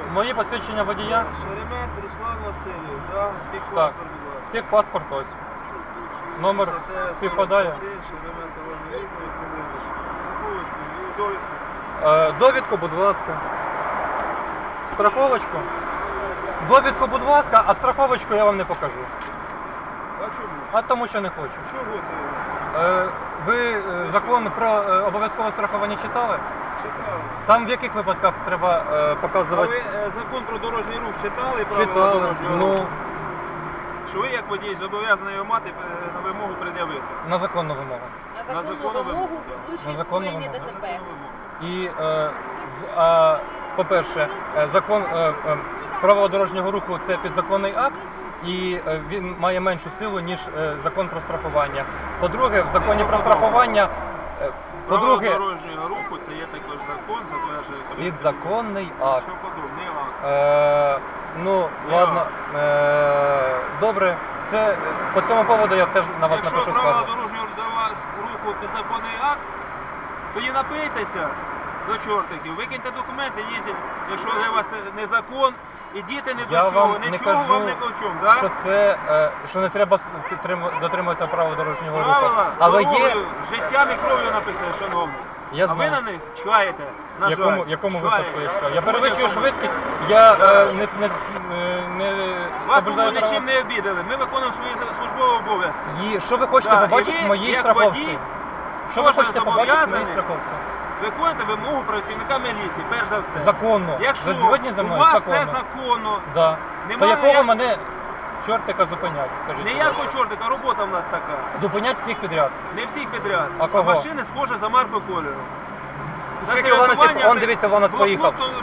Мої посвідчення водія. Шеремет Руслан Васильович, да? Так. Техпаспорт, будь ласка. Техпаспорт ось. Номер співпадає. Шеремет Іван Вікторович, страховочку і довідку. Довідку, будь ласка. Страховочку. Довідку, будь ласка, а страховочку я вам не покажу. А чому? А тому що не хочу. Чого це? Ви закон про обов'язкове страхування читали? Читали. Там в яких випадках треба А показувати? ви закон про дорожній рух читали? Правила Читали. дорожнього Ну, руху? Що ви як водій зобов'язаний його мати на вимогу пред'явити? на законну вимогу. На законну вимогу в На случае законну скоєння вимогу. ДТП. І, по-перше, закон правила дорожнього руху це підзаконний акт, і він має меншу силу, ніж закон про страхування. По-друге, в законі про страхування, Правила по-друге, дорожнього руху це є також закон, затверджує Кабінет. підзаконний акт. Що подобне, акт. Ну, ладно, добре, це по цьому поводу я теж на вас Якщо напишу правила скаргу. дорожнього руху підзаконний акт, тоді напийтеся до чортиків, викиньте документи, їздіть, якщо для вас це не закон, і діти не Я до чого, вам не нічого кажу, вам не до чого, да? що це, що не треба дотримуватися правил дорожнього руху. Правила Але є, дорогою, життям і кров'ю написано, шановні. Я А ви знаю. на них чхаєте, на жаль. якому чхаєте. випадку я чекаю? Я В перевищую будь-якому. швидкість, я Да. не Вас соблюдаю тому права. нічим не обідали, ми виконуємо свої службові обов'язки. І що ви хочете Да, і побачити ви, в моїй як страховці? водій, Що ви кожен хочете побачити в моїй зобов'язаний страховці? Виконуйте вимогу працівника міліції, перш за все. Законно. Якщо Ви згодні зі у мною? вас Законно. все законно, Да. То Немає якого ніяк- мене чортика зупинять, скажіть? будь ніякого ласка? чортика, робота в нас така. Зупинять всіх підряд. Не всіх підряд. А кого? машини схожі за маркою кольору. Скільки у нас, он, дивіться, у нас поїхав.